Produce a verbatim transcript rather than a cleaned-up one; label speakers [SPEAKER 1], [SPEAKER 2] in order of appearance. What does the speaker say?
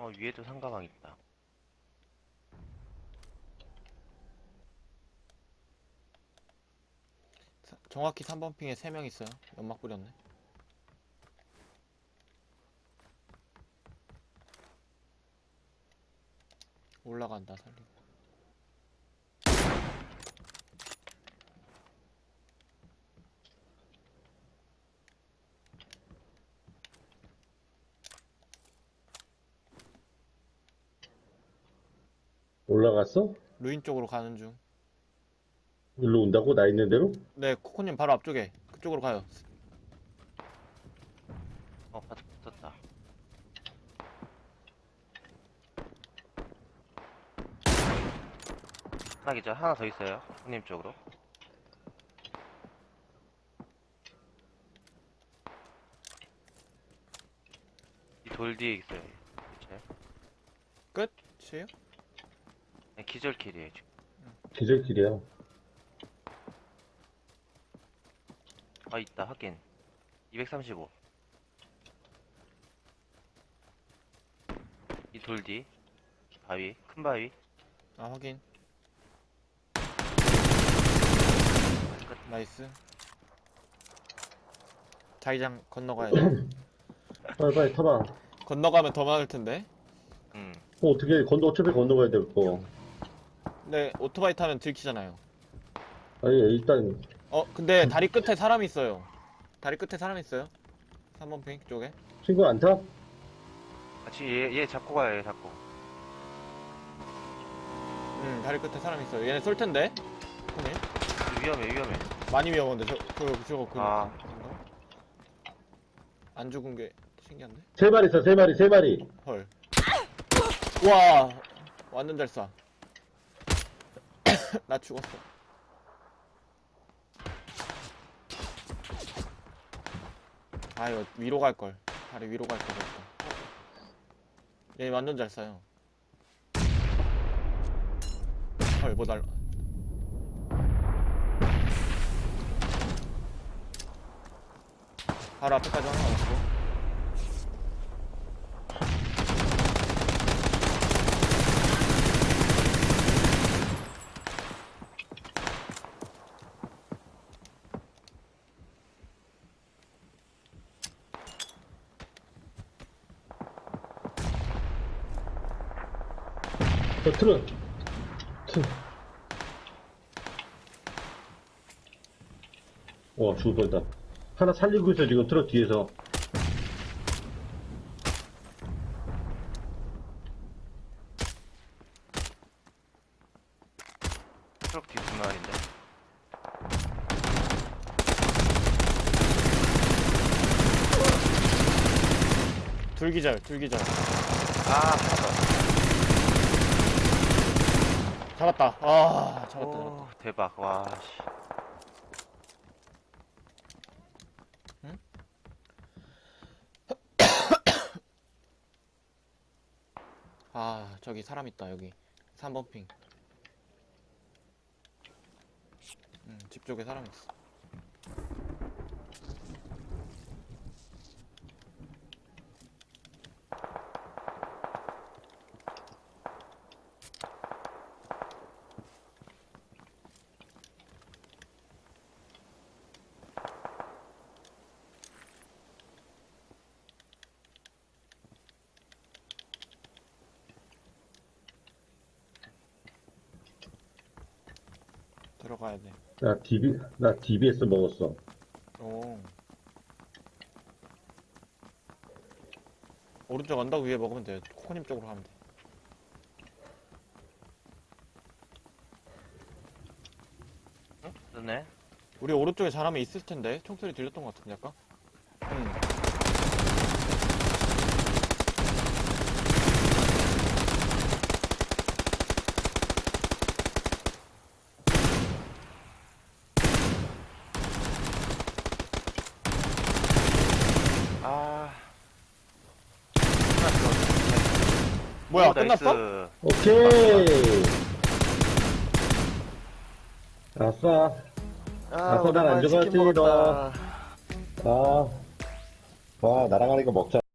[SPEAKER 1] 어, 위에도 상가방 있다.
[SPEAKER 2] 사- 정확히 삼 번 핑에 세 명 있어요. 연막 뿌렸네. 올라간다 살리고.
[SPEAKER 3] 올라갔어?
[SPEAKER 2] 루인 쪽으로 가는 중.
[SPEAKER 3] 일로 온다고? 나 있는 대로?
[SPEAKER 2] 네, 코코님 바로 앞쪽에 그쪽으로 가요.
[SPEAKER 1] 어, 바닥 붙었다. 하나 기절, 하나 더 있어요. 형님 쪽으로. 이 돌 뒤에 있어요. 기절.
[SPEAKER 2] 끝이에요?
[SPEAKER 1] 네, 기절킬이에요, 지금.
[SPEAKER 3] 기절길이야.
[SPEAKER 1] 아, 있다, 확인. 이백삼십오. 이 돌 뒤. 바위, 큰 바위.
[SPEAKER 2] 아 확인. 나이스. 자기장 건너가야 돼.
[SPEAKER 3] 빨리 빨리 타봐.
[SPEAKER 2] 건너가면 더 많을 텐데.
[SPEAKER 1] 음.
[SPEAKER 3] 어, 어떻게 건너 어차피 건너가야 될 거.
[SPEAKER 2] 근데 오토바이 타면 들키잖아요.
[SPEAKER 3] 아니 일단
[SPEAKER 2] 어 근데 다리 끝에 사람이 있어요. 다리 끝에 사람이 있어요. 삼 번 핑 쪽에.
[SPEAKER 3] 친구 안 타?
[SPEAKER 1] 같이 얘, 얘 잡고 가요, 얘 잡고.
[SPEAKER 2] 응 다리 끝에 사람이 있어요. 얘네 쏠 텐데. 코코님.
[SPEAKER 1] 위험해, 위험해.
[SPEAKER 2] 많이 위험한데 저, 그, 저거 그
[SPEAKER 1] 아.
[SPEAKER 2] 그런가? 안 죽은 게 신기한데?
[SPEAKER 3] 세 마리 있어, 세 마리, 세 마리.
[SPEAKER 2] 헐. 와 완전 잘 쏴. 나 죽었어. 아 이거 위로 갈걸. 다리 위로 갈걸 그랬다. 얘 완전 잘 쏴요. 헐 뭐 날라. 바로 앞에까지 하나 왔고.
[SPEAKER 3] 저 트럭. 트. 와, 죽을 뻔했다. 하나 살리고 있어, 지금 트럭 뒤에서.
[SPEAKER 1] 트럭 뒤 두 마리인데.
[SPEAKER 2] 둘기절 둘기절.
[SPEAKER 1] 아, 하나 더.
[SPEAKER 2] 잡았다. 아 잡았다
[SPEAKER 1] 오,
[SPEAKER 2] 잡았다.
[SPEAKER 1] 대박, 와, 씨.
[SPEAKER 2] 아 저기 사람 있다 여기. 삼 번 핑. 음, 집 쪽에 사람 있어. 들어가야 돼.
[SPEAKER 3] 나 디비, 나 디비에스 먹었어.
[SPEAKER 2] 오. 오른쪽 언덕 위에 먹으면 돼요. 코코님 쪽으로 가면 돼.
[SPEAKER 1] 응? 됐네.
[SPEAKER 2] 우리 오른쪽에 사람이 있을 텐데 총소리 들렸던 것 같은데 약간? 응.
[SPEAKER 1] 아. 하나 들어왔네.
[SPEAKER 2] 뭐야
[SPEAKER 1] 오,
[SPEAKER 2] 끝났어?
[SPEAKER 1] 나이스.
[SPEAKER 3] 오케이. 아싸.
[SPEAKER 1] 아,
[SPEAKER 3] 아싸, 난
[SPEAKER 1] 오랜만에
[SPEAKER 3] 안
[SPEAKER 1] 치킨
[SPEAKER 3] 죽었지, 너.
[SPEAKER 1] 먹었다.
[SPEAKER 3] 아. 와, 나랑 하니까 먹자.